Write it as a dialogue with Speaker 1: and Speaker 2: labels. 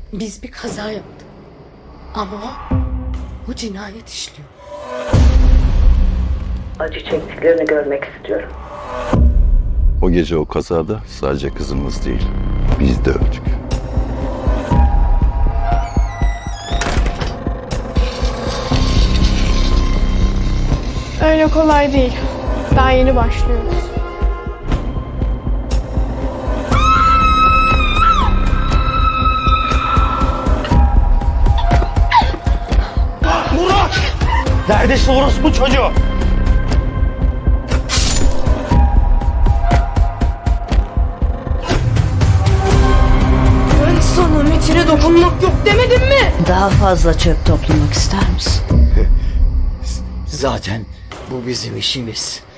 Speaker 1: Biz bir kaza yaptık. Ama o cinayet işliyor.
Speaker 2: Acı çektiklerini görmek istiyorum.
Speaker 3: O gece o kazada sadece kızımız değil, biz de öldük.
Speaker 4: Öyle kolay değil. Daha yeni başlıyoruz.
Speaker 5: Murat! Neredesin orospu çocuğu?
Speaker 4: Ben sana Metin'e dokunmak yok demedim mi?
Speaker 2: Daha fazla çöp toplamak ister misin?
Speaker 5: Zaten bu bizim işimiz.